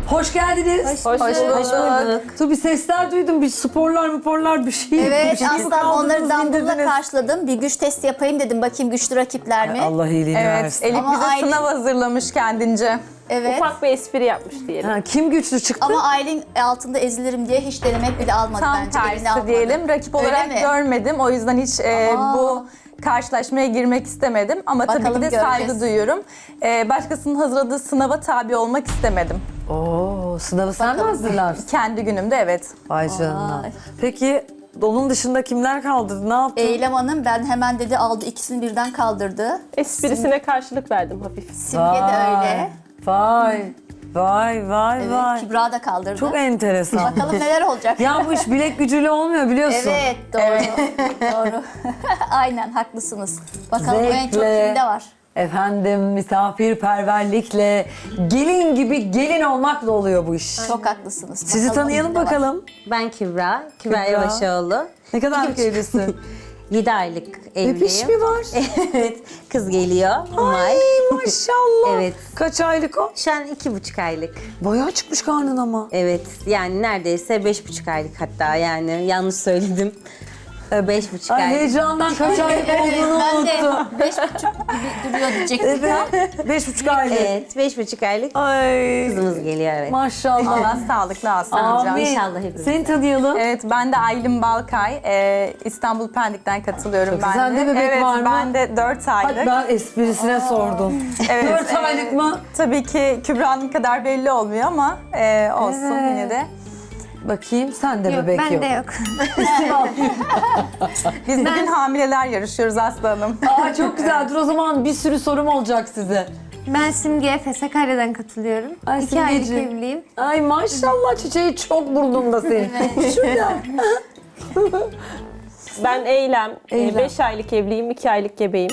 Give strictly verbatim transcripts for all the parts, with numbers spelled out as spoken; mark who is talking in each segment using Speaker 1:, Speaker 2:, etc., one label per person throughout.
Speaker 1: Hoş geldiniz.
Speaker 2: Hoş,
Speaker 3: Hoş bulduk.
Speaker 1: Dur bir sesler duydum. Bir sporlar sporlar bir şey.
Speaker 4: Evet,
Speaker 1: bir şey mi
Speaker 4: aslan
Speaker 1: kaldınız,
Speaker 4: onları dambulla
Speaker 1: indirdiniz?
Speaker 4: karşıladım. Bir güç testi yapayım dedim. Bakayım güçlü rakipler mi?
Speaker 1: Allah iyiliğini
Speaker 3: Evet,
Speaker 1: versin.
Speaker 3: Elif
Speaker 4: Ama
Speaker 3: bize
Speaker 4: Aylin-
Speaker 3: sınav hazırlamış kendince.
Speaker 4: Evet.
Speaker 2: Ufak bir espri yapmış diyelim.
Speaker 1: Ha, kim güçlü çıktı?
Speaker 4: Ama Aylin altında ezilirim diye hiç denemek bile almadı
Speaker 3: Tam
Speaker 4: bence. Eline
Speaker 3: tersi
Speaker 4: almadı.
Speaker 3: diyelim. Rakip
Speaker 4: Öyle
Speaker 3: olarak
Speaker 4: mi?
Speaker 3: görmedim. O yüzden hiç e,
Speaker 4: Aa.
Speaker 3: bu karşılaşmaya girmek istemedim. Ama tabii
Speaker 4: Bakalım
Speaker 3: ki de
Speaker 4: göreceğiz.
Speaker 3: saygı duyuyorum. E, başkasının hazırladığı sınava tabi olmak istemedim.
Speaker 1: Oo, sınavı sen mi hazırlarsın?
Speaker 3: Kendi günümde evet.
Speaker 1: Vay canına.
Speaker 4: Ay.
Speaker 1: Peki onun dışında kimler kaldı? Ne yaptın?
Speaker 4: Eylem Hanım ben hemen dedi aldı ikisini birden kaldırdı.
Speaker 2: Esprisine karşılık verdim hafif.
Speaker 4: Simge de öyle.
Speaker 1: Vay. Vay vay
Speaker 4: Evet,
Speaker 1: vay.
Speaker 4: Kübra da kaldırdı.
Speaker 1: Çok enteresan.
Speaker 4: Bakalım neler olacak.
Speaker 1: Ya bu iş bilek gücüyle olmuyor biliyorsun.
Speaker 4: Evet doğru. doğru. Aynen haklısınız. Bakalım en çok
Speaker 1: Zevkle.
Speaker 4: kimde var?
Speaker 1: Efendim misafirperverlikle, gelin gibi gelin olmakla oluyor bu iş.
Speaker 4: Çok haklısınız.
Speaker 1: Sizi
Speaker 4: Bakalım
Speaker 1: tanıyalım
Speaker 4: kimde var?
Speaker 1: bakalım.
Speaker 5: Ben Kübra, Kübra
Speaker 1: Kübra.
Speaker 5: Yavaşoğlu.
Speaker 1: Ne kadar evlisin?
Speaker 5: yedi aylık evliyim.
Speaker 1: Bebiş mi var?
Speaker 5: Evet, kız geliyor. Umay.
Speaker 1: Ay maşallah.
Speaker 5: Evet.
Speaker 1: Kaç aylık o?
Speaker 5: Şu an iki buçuk aylık.
Speaker 1: Bayağı çıkmış karnın ama.
Speaker 5: Evet, yani neredeyse beş buçuk aylık hatta yani yanlış söyledim. Ee, Beş buçuk
Speaker 1: Ay
Speaker 5: aylık.
Speaker 1: heyecandan kaç aylık olduğunu
Speaker 4: Ben de
Speaker 1: unuttum.
Speaker 4: beş buçuk gibi duruyor diyecektim.
Speaker 1: Evet. Beş buçuk aylık.
Speaker 5: Evet, beş buçuk aylık
Speaker 1: Ay.
Speaker 5: kızımız geliyor evet.
Speaker 1: Maşallah.
Speaker 3: Allah sağlıklı alsın hocam.
Speaker 1: Amin.
Speaker 5: İnşallah hepimiz.
Speaker 1: Seni tanıyalım.
Speaker 3: Evet, ben de Aylin Balkay. E, İstanbul Pendik'ten katılıyorum
Speaker 1: Çok
Speaker 3: ben
Speaker 1: güzel.
Speaker 3: de.
Speaker 1: Sende bebek
Speaker 3: evet,
Speaker 1: var mı?
Speaker 3: ben de dört aylık.
Speaker 1: Hadi ben esprisine sordum.
Speaker 3: Evet,
Speaker 1: Dört
Speaker 3: e,
Speaker 1: aylık mı?
Speaker 3: Tabii ki Kübra'nın kadar belli olmuyor ama e, olsun
Speaker 1: Evet.
Speaker 3: yine de.
Speaker 1: Bakayım sen de bebek yok.
Speaker 6: Bende yok.
Speaker 3: Biz bugün hamileler yarışıyoruz Aslı Hanım.
Speaker 1: Aa çok güzel. Dur o zaman bir sürü sorum olacak size.
Speaker 6: Ben Simge Fesakarya'dan katılıyorum.
Speaker 1: Ay,
Speaker 6: İki aylık
Speaker 1: Simgeciğim.
Speaker 6: evliyim.
Speaker 1: Ay maşallah çiçeği çok burnumda senin. Şurada.
Speaker 2: Ben Eylem,
Speaker 1: Eylem.
Speaker 2: beş aylık evliyim, iki aylık gebeyim.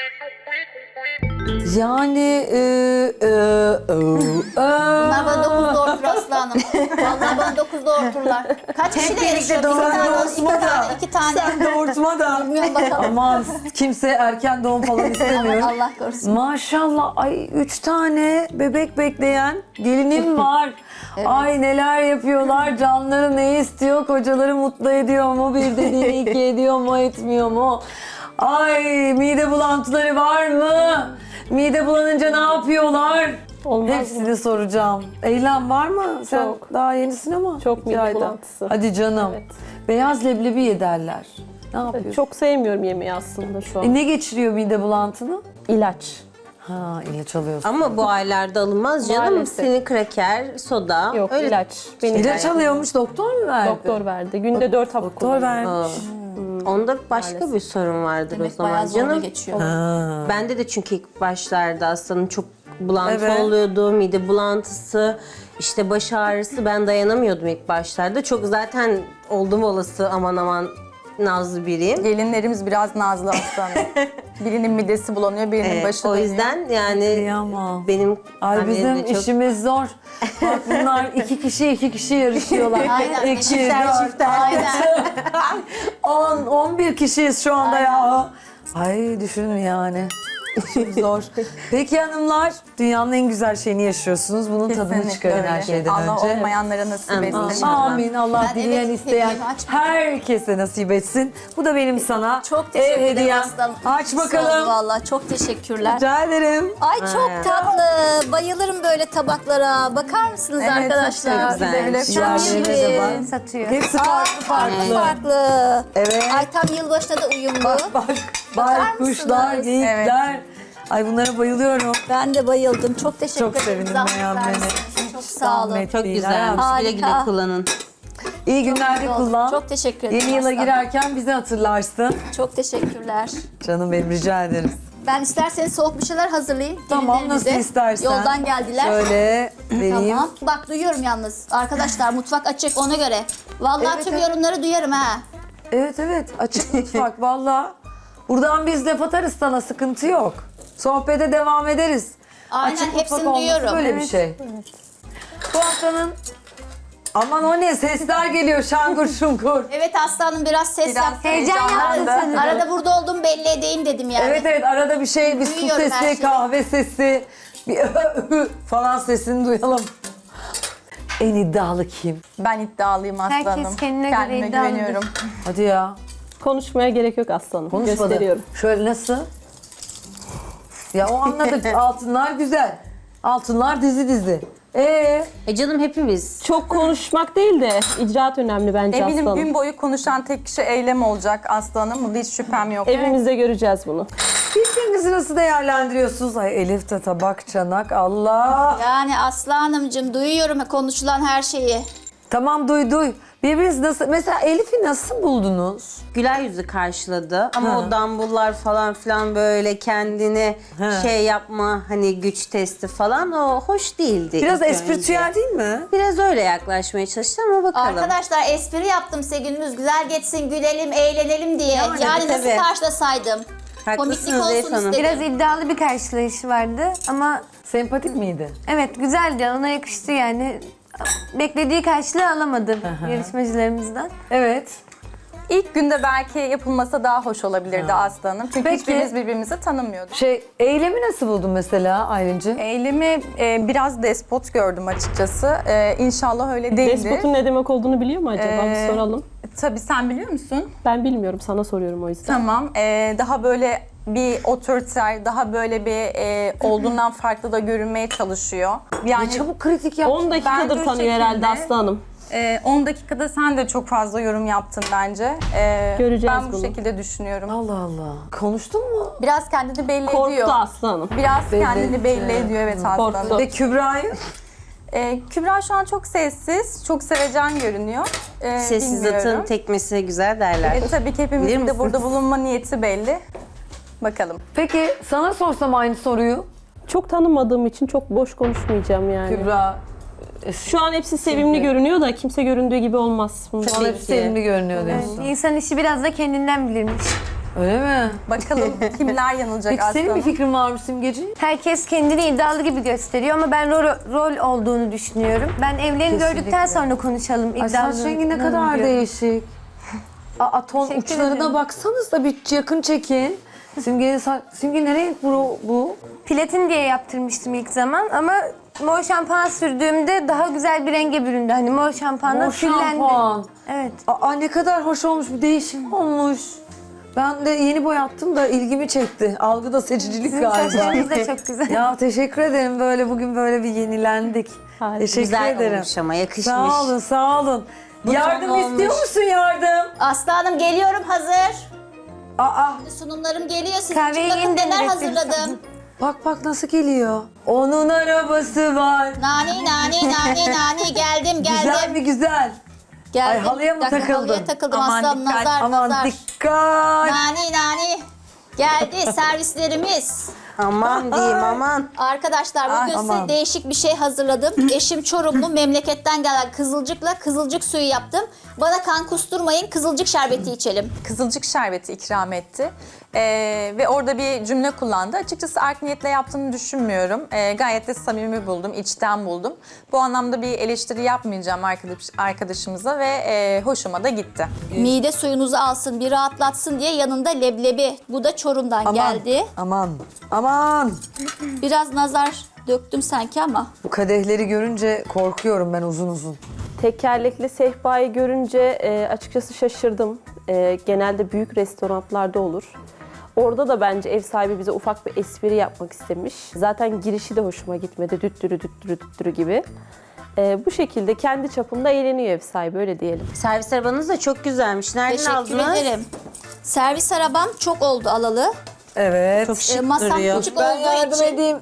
Speaker 1: Yani e, e, e,
Speaker 4: Bunlar bana
Speaker 1: e.
Speaker 4: dokuz doğurtur Aslı Hanım. Vallahi bana dokuz doğurturlar. Kaç kişi de yarışıyor? İki
Speaker 1: Sen
Speaker 4: tane,
Speaker 1: doğurtma
Speaker 4: iki
Speaker 1: da.
Speaker 4: tane, iki tane.
Speaker 1: Sen doğurtma da.
Speaker 4: Bilmiyorum bakalım.
Speaker 1: Aman kimse erken doğum falan istemiyor.
Speaker 4: Allah korusun.
Speaker 1: Maşallah ay üç tane bebek bekleyen gelinim var. Ay neler yapıyorlar, canları ne istiyor, kocaları mutlu ediyor mu, bir dediğini iki ediyor mu, etmiyor mu? Ay mide bulantıları var mı? Mide bulanınca ne yapıyorlar?
Speaker 2: Olmaz mı?
Speaker 1: Hepsini soracağım. Eylem var mı? Sen
Speaker 2: Çok.
Speaker 1: daha yenisin ama.
Speaker 2: Çok
Speaker 1: iki
Speaker 2: mide
Speaker 1: ayda.
Speaker 2: bulantısı.
Speaker 1: Hadi canım.
Speaker 2: Evet.
Speaker 1: Beyaz leblebi ye derler. Ne yapıyorsun?
Speaker 2: Çok sevmiyorum yemeği aslında şu an.
Speaker 1: E, ne geçiriyor mide bulantını?
Speaker 2: İlaç.
Speaker 1: Ha ilaç alıyorsun.
Speaker 5: Ama bu aylarda alınmaz canım.
Speaker 2: Maalesef.
Speaker 5: Senin kraker, soda.
Speaker 2: Yok
Speaker 5: öyle
Speaker 2: ilaç. Benim
Speaker 1: İlaç alıyormuş doktor mu verdi?
Speaker 2: doktor verdi. Günde dört hap
Speaker 1: Doktor
Speaker 2: kullanıyorum.
Speaker 1: vermiş.
Speaker 5: Onda başka bir sorun vardır
Speaker 4: Demek
Speaker 5: o zaman
Speaker 4: bayağı zorla
Speaker 5: canım.
Speaker 4: geçiyor.
Speaker 1: Ha.
Speaker 5: Bende de çünkü ilk başlarda hastanın çok bulantı
Speaker 1: Evet.
Speaker 5: oluyordu, mide bulantısı, işte baş ağrısı. Ben dayanamıyordum ilk başlarda. Çok zaten oldum olası aman aman nazlı biriyim.
Speaker 3: Gelinlerimiz biraz nazlı Aslı Hanım. Birinin midesi bulanıyor, birinin
Speaker 5: Ee,
Speaker 3: başı
Speaker 5: o
Speaker 3: dönüyor.
Speaker 5: yüzden yani
Speaker 1: Kıyamam.
Speaker 5: benim
Speaker 1: Ay
Speaker 5: annem
Speaker 1: bizim
Speaker 5: de çok...
Speaker 1: işimiz zor. Bak bunlar iki kişi iki kişi yarışıyorlar.
Speaker 4: Aynen.
Speaker 1: İki,
Speaker 4: Çiftler,
Speaker 1: dört,
Speaker 4: çiftler. Aynen.
Speaker 1: on, on bir kişiyiz şu anda ya. Ay düşünün yani. İşim zor. Peki hanımlar, dünyanın en güzel şeyini yaşıyorsunuz. Bunun tadını
Speaker 3: Kesinlikle
Speaker 1: çıkarın
Speaker 3: öyle.
Speaker 1: her şeyden
Speaker 3: Allah
Speaker 1: önce.
Speaker 3: olmayanlara nasip
Speaker 5: Amin.
Speaker 3: etsin.
Speaker 5: İnşallah.
Speaker 1: Amin. Allah
Speaker 4: Ben
Speaker 1: dileyen
Speaker 4: evet,
Speaker 1: isteyen
Speaker 4: hediyemi açmadım.
Speaker 1: herkese nasip etsin. Bu da benim sana
Speaker 4: Çok teşekkür
Speaker 1: ev
Speaker 4: ederim
Speaker 1: hediyem.
Speaker 4: aslanım.
Speaker 1: Aç
Speaker 4: Sağ ol
Speaker 1: bakalım.
Speaker 4: Vallahi çok teşekkürler.
Speaker 1: Rica ederim.
Speaker 4: Ay çok tatlı. Bayılırım böyle tabaklara. Bakar mısınız
Speaker 3: Evet,
Speaker 4: arkadaşlar?
Speaker 5: çok güzel.
Speaker 3: Böyle
Speaker 4: Çok
Speaker 1: Yerlerine de
Speaker 4: şirin.
Speaker 1: bak.
Speaker 6: Satıyor.
Speaker 1: Hepsi
Speaker 4: Aa,
Speaker 1: farklı
Speaker 4: farklı
Speaker 1: farklı.
Speaker 4: farklı.
Speaker 1: Evet.
Speaker 4: Ay tam yılbaşına da uyumlu.
Speaker 1: Bak bak. Baykuşlar,
Speaker 4: mısınız?
Speaker 1: geyikler. Ay bunlara bayılıyorum.
Speaker 4: Ben de bayıldım. Çok teşekkür
Speaker 1: Çok
Speaker 4: ederim.
Speaker 1: sevindim
Speaker 4: Zahmet
Speaker 1: beğenmene.
Speaker 4: vermişsiniz. Çok sağ olun.
Speaker 1: Zahmet
Speaker 5: Çok
Speaker 1: değil,
Speaker 5: güzel.
Speaker 1: hayatım.
Speaker 5: Güle güle
Speaker 4: Harika.
Speaker 5: kullanın.
Speaker 1: İyi günlerde
Speaker 4: Çok oldu.
Speaker 1: kullan.
Speaker 4: Çok teşekkür ederim.
Speaker 1: Yeni yıla
Speaker 4: aslanım.
Speaker 1: girerken bizi hatırlarsın.
Speaker 4: Çok teşekkürler.
Speaker 1: Canım benim rica ederim.
Speaker 4: Ben isterseniz soğuk bir şeyler hazırlayayım.
Speaker 1: Tamam
Speaker 4: Gelinlerimize.
Speaker 1: nasıl istersen.
Speaker 4: Yoldan geldiler.
Speaker 1: Şöyle vereyim.
Speaker 4: Tamam. Bak duyuyorum yalnız. Arkadaşlar mutfak açık ona göre. Vallahi
Speaker 1: Evet,
Speaker 4: tüm
Speaker 1: evet.
Speaker 4: yorumları duyarım ha.
Speaker 1: Evet evet açık mutfak valla. Buradan biz laf atarız sana sıkıntı yok. Sohbete devam ederiz.
Speaker 4: Aynen,
Speaker 1: Açık mutfak
Speaker 4: hepsini
Speaker 1: olması
Speaker 4: duyuyorum.
Speaker 1: böyle bir şey. Bu haftanın... Aman o ne sesler geliyor şangur şungur.
Speaker 4: Evet aslanım biraz ses
Speaker 3: Biraz
Speaker 4: yaptım.
Speaker 6: Heyecan yaptın
Speaker 3: heyecanlandı.
Speaker 6: sanırım.
Speaker 4: Arada burada olduğumu belli edeyim dedim yani.
Speaker 1: Evet evet arada bir şey bir su
Speaker 4: Duyuyorum her
Speaker 1: sesi,
Speaker 4: şeyi.
Speaker 1: kahve sesi, bir falan sesini duyalım. En iddialı kim?
Speaker 3: Ben iddialıyım
Speaker 6: Herkes
Speaker 3: aslanım.
Speaker 6: kendine göre
Speaker 3: Kendime
Speaker 6: iddialıdır.
Speaker 3: güveniyorum.
Speaker 1: Hadi ya.
Speaker 2: Konuşmaya gerek yok aslanım.
Speaker 1: Konuşmadı.
Speaker 2: Gösteriyorum.
Speaker 1: Şöyle nasıl? Ya o anladık. Altınlar güzel. Altınlar dizi dizi. Ee,
Speaker 5: E canım hepimiz.
Speaker 2: Çok konuşmak değil de icraat önemli bence
Speaker 3: Eminim
Speaker 2: aslanım.
Speaker 3: gün boyu konuşan tek kişi Eylem olacak aslanım. Bunda hiç şüphem yok.
Speaker 2: Evimizde göreceğiz bunu.
Speaker 1: birbirinizi nasıl değerlendiriyorsunuz? Ay Elif de tabak, çanak, Allah.
Speaker 4: Yani Aslı Hanımcığım duyuyorum konuşulan her şeyi.
Speaker 1: Tamam duy duy. Birbirinizi nasıl... Mesela Elif'i nasıl buldunuz?
Speaker 5: Güler yüzü karşıladı ama
Speaker 1: Ha.
Speaker 5: o dambullar falan filan böyle kendini
Speaker 1: Ha.
Speaker 5: şey yapma hani güç testi falan o hoş değildi.
Speaker 1: Biraz
Speaker 5: ilk
Speaker 1: espritüel
Speaker 5: önce.
Speaker 1: değil mi?
Speaker 5: Biraz öyle yaklaşmaya çalıştı ama bakalım.
Speaker 4: Arkadaşlar espri yaptım size gününüz güzel geçsin, gülelim, eğlenelim diye.
Speaker 5: Yani,
Speaker 4: Yani, nasıl
Speaker 5: tabii.
Speaker 4: karşılasaydım? Komiklik
Speaker 5: Haklısınız Elif
Speaker 4: olsun
Speaker 5: Hanım.
Speaker 4: istedim.
Speaker 6: Biraz iddialı bir karşılayışı vardı ama
Speaker 1: Sempatik miydi?
Speaker 6: evet güzeldi. Ona yakıştı yani. Beklediği karşılığı alamadı yarışmacılarımızdan.
Speaker 1: Evet.
Speaker 3: İlk günde belki yapılmasa daha hoş olabilirdi aslanım. Çünkü
Speaker 1: Peki.
Speaker 3: hiçbirimiz birbirimizi tanımıyorduk.
Speaker 1: Şey, eylemi nasıl buldun mesela Aylin'cim?
Speaker 3: Eylemi e, biraz despot gördüm açıkçası. E, inşallah öyle değildir.
Speaker 2: Despotun ne demek olduğunu biliyor mu acaba?
Speaker 3: Ee,
Speaker 2: Bir soralım.
Speaker 3: Tabii sen biliyor musun?
Speaker 2: Ben bilmiyorum, sana soruyorum o yüzden.
Speaker 3: Tamam. E, daha böyle bir otoriter, daha böyle bir e, olduğundan farklı da görünmeye çalışıyor. Yani
Speaker 1: Ne çabuk kritik yaptın.
Speaker 2: on dakikadır
Speaker 3: Bence o
Speaker 2: tanıyor herhalde
Speaker 3: şekilde-
Speaker 2: Aslı Hanım.
Speaker 3: e, on dakikada sen de çok fazla yorum yaptın bence. E,
Speaker 2: Göreceğiz
Speaker 3: ben bu
Speaker 2: bunu.
Speaker 3: şekilde düşünüyorum.
Speaker 1: Allah Allah. Konuştun mu?
Speaker 3: Biraz kendini belli
Speaker 2: Korktu
Speaker 3: ediyor.
Speaker 2: Aslı Hanım.
Speaker 3: Biraz
Speaker 1: Belli
Speaker 3: kendini
Speaker 1: etti.
Speaker 3: belli ediyor evet
Speaker 2: Korktu.
Speaker 3: aslanım.
Speaker 1: Ve Kübra'yı?
Speaker 3: Ee, Kübra şu an çok sessiz, çok sevecen görünüyor. Ee,
Speaker 5: Sessiz
Speaker 3: bilmiyorum.
Speaker 5: atın tekmesi güzel derler.
Speaker 3: E, tabii ki
Speaker 5: Bilir
Speaker 3: hepimizin de
Speaker 5: misiniz?
Speaker 3: burada bulunma niyeti belli. Bakalım.
Speaker 1: Peki sana sorsam aynı soruyu.
Speaker 2: Çok tanımadığım için çok boş konuşmayacağım yani.
Speaker 1: Kübra,
Speaker 2: Şu an hepsi sevimli görünüyor da kimse göründüğü gibi olmaz. Bunu
Speaker 1: bana hep
Speaker 5: ki.
Speaker 1: sevimli görünüyor diyorsun.
Speaker 6: Yani insan işi biraz da kendinden bilirmiş.
Speaker 1: Öyle mi?
Speaker 3: Bakalım kimler yanılacak
Speaker 1: Peki senin bir
Speaker 3: aslında.
Speaker 1: fikrin var mı Simgeciğim?
Speaker 6: Herkes kendini iddialı gibi gösteriyor ama ben rol, rol olduğunu düşünüyorum. Ben evlerini
Speaker 1: Kesinlikle.
Speaker 6: gördükten sonra konuşalım
Speaker 1: Ay
Speaker 6: iddialı.
Speaker 1: saç rengi ne kadar değişik. Aa, ton
Speaker 6: Teşekkür
Speaker 1: uçlarına
Speaker 6: ederim.
Speaker 1: baksanız da bir yakın çekin. Simge'nin saç... Simge ne renk bu? bu?
Speaker 6: Platin diye yaptırmıştım ilk zaman ama mor şampuan sürdüğümde daha güzel bir renge büründü. Hani mor şampuanla
Speaker 1: Mor
Speaker 6: küllendi.
Speaker 1: şampuan.
Speaker 6: Evet.
Speaker 1: Aa ne kadar hoş olmuş, bir değişik olmuş. Ben de yeni boyattım da ilgimi çekti. Algıda seçicilik
Speaker 6: Sizin
Speaker 1: galiba.
Speaker 6: saçlarınız da çok güzel.
Speaker 1: Ya teşekkür ederim, böyle bugün böyle bir yenilendik.
Speaker 2: Harika.
Speaker 1: Teşekkür
Speaker 5: Güzel
Speaker 1: ederim.
Speaker 5: olmuş ama yakışmış.
Speaker 1: Sağ olun, sağ olun.
Speaker 5: Bu
Speaker 1: yardım
Speaker 5: tam
Speaker 1: istiyor
Speaker 5: olmuş.
Speaker 1: musun yardım?
Speaker 4: Aslı Hanım geliyorum hazır.
Speaker 1: Aa
Speaker 4: Sunumlarım geliyor. Sizin
Speaker 6: Kahveyi
Speaker 4: için bakın
Speaker 6: yeniden
Speaker 4: neler
Speaker 6: ürettim.
Speaker 4: hazırladım.
Speaker 1: bak bak nasıl geliyor. Onun arabası var.
Speaker 4: Nani nani nani nani geldim geldim.
Speaker 1: Güzel mi güzel?
Speaker 4: geldim.
Speaker 1: Ay, halıya mı
Speaker 4: Bir dakika,
Speaker 1: takıldın?
Speaker 4: Halıya takıldım
Speaker 3: Aman
Speaker 4: aslanım
Speaker 3: dikkat,
Speaker 4: nazar
Speaker 1: Aman
Speaker 4: nazar.
Speaker 1: dikkat.
Speaker 4: Nani nani. Geldi servislerimiz.
Speaker 5: Aman diyeyim aman.
Speaker 4: Arkadaşlar bugün
Speaker 1: Ay,
Speaker 4: size
Speaker 1: aman.
Speaker 4: değişik bir şey hazırladım. Eşim Çorumlu, memleketten gelen kızılcıkla kızılcık suyu yaptım. Bana kan kusturmayın, kızılcık şerbeti içelim.
Speaker 3: Kızılcık şerbeti ikram etti. Ee, ve orada bir cümle kullandı. Açıkçası art niyetle yaptığını düşünmüyorum. Ee, gayet de samimi buldum, içten buldum. Bu anlamda bir eleştiri yapmayacağım arkadaş, arkadaşımıza ve e, hoşuma da gitti.
Speaker 4: Mide suyunuzu alsın, bir rahatlatsın diye yanında leblebi. Bu da Çorum'dan
Speaker 1: Aman,
Speaker 4: geldi.
Speaker 1: aman, aman.
Speaker 4: Biraz nazar döktüm sanki ama.
Speaker 1: Bu kadehleri görünce korkuyorum ben uzun uzun.
Speaker 2: Tekerlekli sehpayı görünce e, açıkçası şaşırdım. E, genelde büyük restoranlarda olur. Orada da bence ev sahibi bize ufak bir espri yapmak istemiş. Zaten girişi de hoşuma gitmedi. Düttürü düttürü düttürü gibi. E, bu şekilde kendi çapında eğleniyor ev sahibi, öyle diyelim.
Speaker 5: Servis arabanız da çok güzelmiş. Nereden
Speaker 4: Teşekkür
Speaker 5: aldınız?
Speaker 4: ederim. Servis arabam çok oldu alalı.
Speaker 1: Evet.
Speaker 5: Çok
Speaker 4: Ee,
Speaker 5: şık
Speaker 4: masam
Speaker 5: duruyor.
Speaker 4: küçük
Speaker 1: Ben
Speaker 4: olduğu
Speaker 1: yardım
Speaker 4: için,
Speaker 1: edeyim.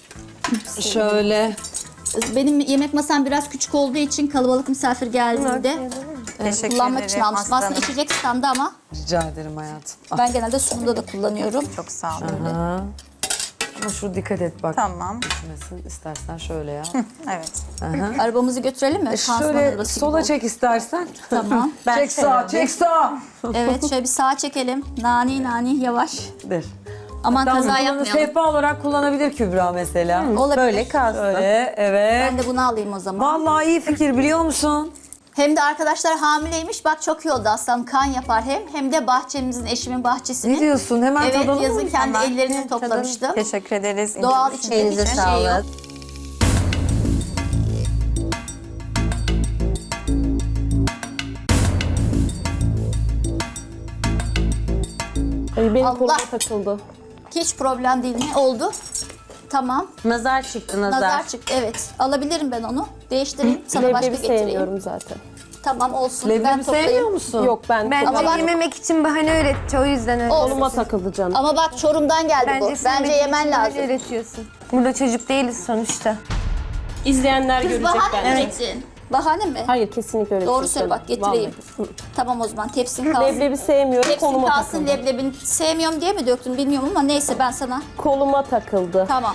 Speaker 1: Şöyle.
Speaker 4: benim yemek masam biraz küçük olduğu için kalabalık misafir geldiğinde
Speaker 3: Teşekkür
Speaker 4: kullanmak için
Speaker 3: ederim
Speaker 4: almıştım. Aslında
Speaker 3: aslanım.
Speaker 4: içecek standı ama
Speaker 1: Rica ederim hayatım. Ah,
Speaker 4: ben genelde sunumda da kullanıyorum.
Speaker 3: Çok sağ olun.
Speaker 1: aha. Ama şu dikkat et bak.
Speaker 3: Tamam.
Speaker 1: Düşmesin. İstersen şöyle ya.
Speaker 3: Evet.
Speaker 4: Arabamızı götürelim mi? Pansuman
Speaker 1: Şöyle
Speaker 4: arabası gibi
Speaker 1: sola
Speaker 4: oldu.
Speaker 1: çek istersen.
Speaker 4: Tamam.
Speaker 1: çek sağa, çek sağa.
Speaker 4: Evet şöyle bir sağa çekelim. Nani nani yavaş.
Speaker 1: Der.
Speaker 4: Aman
Speaker 1: Tamam,
Speaker 4: kaza
Speaker 1: bunu
Speaker 4: yapmayalım.
Speaker 1: sehpa olarak kullanabilir Kübra mesela.
Speaker 4: Olabilir.
Speaker 5: Böyle kalsın.
Speaker 1: Öyle, evet.
Speaker 4: Ben de bunu alayım o zaman.
Speaker 1: Vallahi iyi fikir, biliyor musun?
Speaker 4: Hem de arkadaşlar hamileymiş. Bak çok iyi oldu aslanım. Kan yapar hem. Hem de bahçemizin, eşimin bahçesini.
Speaker 1: Ne diyorsun? Hemen
Speaker 4: Evet
Speaker 1: tadalım
Speaker 4: yazın
Speaker 1: mı?
Speaker 4: kendi
Speaker 3: Hemen.
Speaker 4: ellerimle toplamıştım.
Speaker 3: Teşekkür ederiz.
Speaker 4: Doğal
Speaker 3: İnce-
Speaker 4: içinde
Speaker 5: Elinize
Speaker 4: hiçbir şey yok.
Speaker 5: sağlık.
Speaker 2: benim
Speaker 4: Allah.
Speaker 2: koluma takıldı.
Speaker 4: Hiç problem değil. Ne oldu? Tamam.
Speaker 5: Nazar çıktı nazar.
Speaker 4: Nazar çıktı. Evet. Alabilirim ben onu. Değiştireyim. Sana başka
Speaker 2: Leblebi
Speaker 4: getireyim.
Speaker 2: sevmiyorum zaten.
Speaker 4: Tamam olsun. ben
Speaker 1: Leblebi
Speaker 4: toplayayım.
Speaker 1: sevmiyor musun?
Speaker 2: Yok ben
Speaker 6: Bence
Speaker 4: Ama bak-
Speaker 6: yememek için bahane öğretti o yüzden öyle.
Speaker 4: Olsun.
Speaker 2: koluma takıldı canım.
Speaker 4: Ama bak Çorum'dan geldi bu.
Speaker 6: sen
Speaker 4: Bence
Speaker 6: benim
Speaker 4: yemen
Speaker 6: için
Speaker 4: lazım.
Speaker 6: bahane öğretiyorsun. Burada çocuk değiliz sonuçta.
Speaker 2: İzleyenler
Speaker 4: Kız
Speaker 2: görecek
Speaker 4: bahane mi
Speaker 2: ben.
Speaker 4: ürettin? Bahane mi?
Speaker 2: Hayır kesinlikle öyle
Speaker 4: Doğru
Speaker 2: değil
Speaker 4: söyle
Speaker 2: canım.
Speaker 4: bak getireyim.
Speaker 2: Vallahi.
Speaker 4: Tamam o zaman tepsin kalsın.
Speaker 2: Leblebi sevmiyorum
Speaker 4: Tepsin
Speaker 2: koluma
Speaker 4: kalsın
Speaker 2: takıldı.
Speaker 4: leblebini sevmiyorum diye mi döktün bilmiyorum ama neyse ben sana.
Speaker 2: Koluma takıldı.
Speaker 4: Tamam.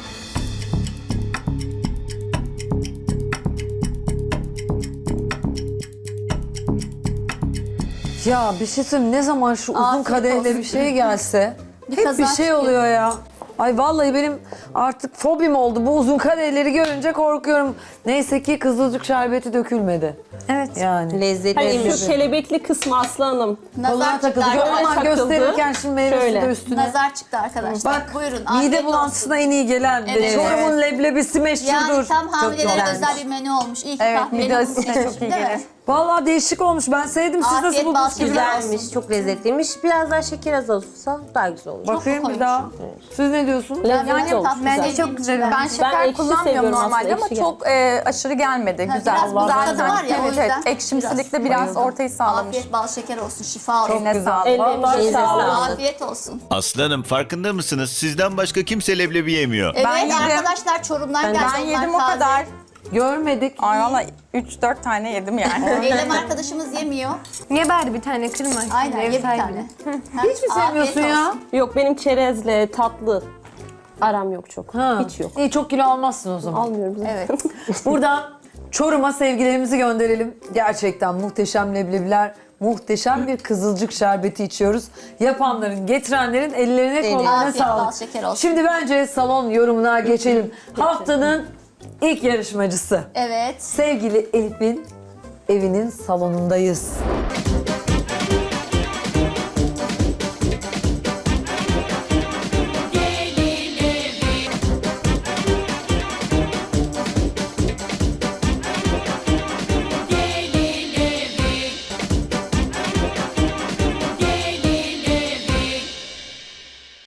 Speaker 1: Ya bir şey söyleyeyim, ne zaman şu uzun
Speaker 4: Afiyet
Speaker 1: kadehle
Speaker 4: olsun.
Speaker 1: bir şey gelse
Speaker 4: Bir
Speaker 1: hep bir
Speaker 4: kazanç
Speaker 1: şey
Speaker 4: geliyor.
Speaker 1: oluyor ya. Ay vallahi benim artık fobim oldu. Bu uzun kadehleri görünce korkuyorum. Neyse ki kızılcık şerbeti dökülmedi.
Speaker 6: Evet.
Speaker 1: Yani.
Speaker 5: Lezzetli.
Speaker 2: Hayır
Speaker 5: leblebi.
Speaker 2: şu kelebekli kısmı Aslı Hanım.
Speaker 1: Koluna
Speaker 4: Nazar çıktı
Speaker 1: takıldı. Ama
Speaker 4: arkadaşlar.
Speaker 2: takıldı.
Speaker 1: gösterirken şimdi meyvesi
Speaker 2: Şöyle.
Speaker 1: de üstüne.
Speaker 4: Nazar çıktı arkadaşlar.
Speaker 1: Bak
Speaker 4: Buyurun. afiyet
Speaker 1: mide
Speaker 4: olsun.
Speaker 1: bulantısına en iyi gelen.
Speaker 4: Evet.
Speaker 1: Çorum'un leblebisi meşhurdur.
Speaker 4: Yani tam hamilelere
Speaker 5: güzelmiş.
Speaker 4: özel bir menü olmuş. İyi ki
Speaker 3: Evet,
Speaker 4: kahveyle
Speaker 3: mide
Speaker 4: bunu
Speaker 3: asitine
Speaker 4: seçmişim,
Speaker 3: çok iyi
Speaker 4: değil mi?
Speaker 3: gelir.
Speaker 1: Vallahi değişik olmuş. Ben sevdim. Siz
Speaker 4: Afiyet
Speaker 1: nasıl buldunuz?
Speaker 4: bal şeker.
Speaker 5: Güzelmiş, çok lezzetliymiş. Biraz daha şeker az olsa daha güzel olur.
Speaker 1: Bakayım bir
Speaker 4: koymuş.
Speaker 1: daha. Siz ne diyorsunuz?
Speaker 2: Lezzetli
Speaker 3: Yani
Speaker 2: olmuş.
Speaker 4: tatlı
Speaker 6: Bence
Speaker 4: güzel.
Speaker 6: çok güzel olmuş.
Speaker 3: Ben şeker
Speaker 2: ekşi
Speaker 3: kullanmıyorum
Speaker 2: seviyorum
Speaker 3: normalde
Speaker 2: aslında,
Speaker 3: ama
Speaker 2: ekşi
Speaker 3: çok e, aşırı gelmedi.
Speaker 4: Ha,
Speaker 3: Güzel.
Speaker 4: biraz bu
Speaker 3: Zaten
Speaker 4: tadı var ya, o
Speaker 3: evet, evet,
Speaker 4: yüzden
Speaker 3: ekşimsilikle biraz ortayı sağlamış.
Speaker 4: Afiyet bal şeker olsun. Şifa olsun.
Speaker 3: Eline sağlık.
Speaker 2: Ellerinize
Speaker 5: Elinize
Speaker 2: sağlık.
Speaker 5: sağlık.
Speaker 4: Afiyet olsun.
Speaker 7: Aslanım farkında mısınız? Sizden başka kimse leblebi yemiyor.
Speaker 4: Evet
Speaker 3: Ben yedim.
Speaker 4: arkadaşlar Çorum'dan geldi.
Speaker 3: Ben
Speaker 4: onlar
Speaker 3: yedim o
Speaker 4: taze.
Speaker 3: kadar.
Speaker 1: Görmedik.
Speaker 3: Ay valla üç dört tane yedim yani.
Speaker 4: Eylem arkadaşımız yemiyor.
Speaker 6: Niye bari bir tane kırma?
Speaker 4: Aynen
Speaker 6: Ev
Speaker 4: ye bir
Speaker 6: sahibi.
Speaker 4: tane.
Speaker 1: Hiç mi sevmiyorsun ya?
Speaker 2: Yok benim çerezle tatlı aram yok çok.
Speaker 1: Ha.
Speaker 2: Hiç yok.
Speaker 1: İyi, çok kilo almazsın o zaman.
Speaker 2: Almıyorum zaten.
Speaker 4: Evet.
Speaker 1: Buradan Çorum'a sevgilerimizi gönderelim. Gerçekten muhteşem leblebiler, muhteşem bir kızılcık şerbeti içiyoruz. Yapanların, getirenlerin ellerine kollarına
Speaker 4: Afiyet bal
Speaker 1: sağlık.
Speaker 4: şeker olsun.
Speaker 1: Şimdi bence salon yorumuna geçelim. Haftanın ilk yarışmacısı.
Speaker 4: Evet.
Speaker 1: Sevgili Elif'in evinin salonundayız.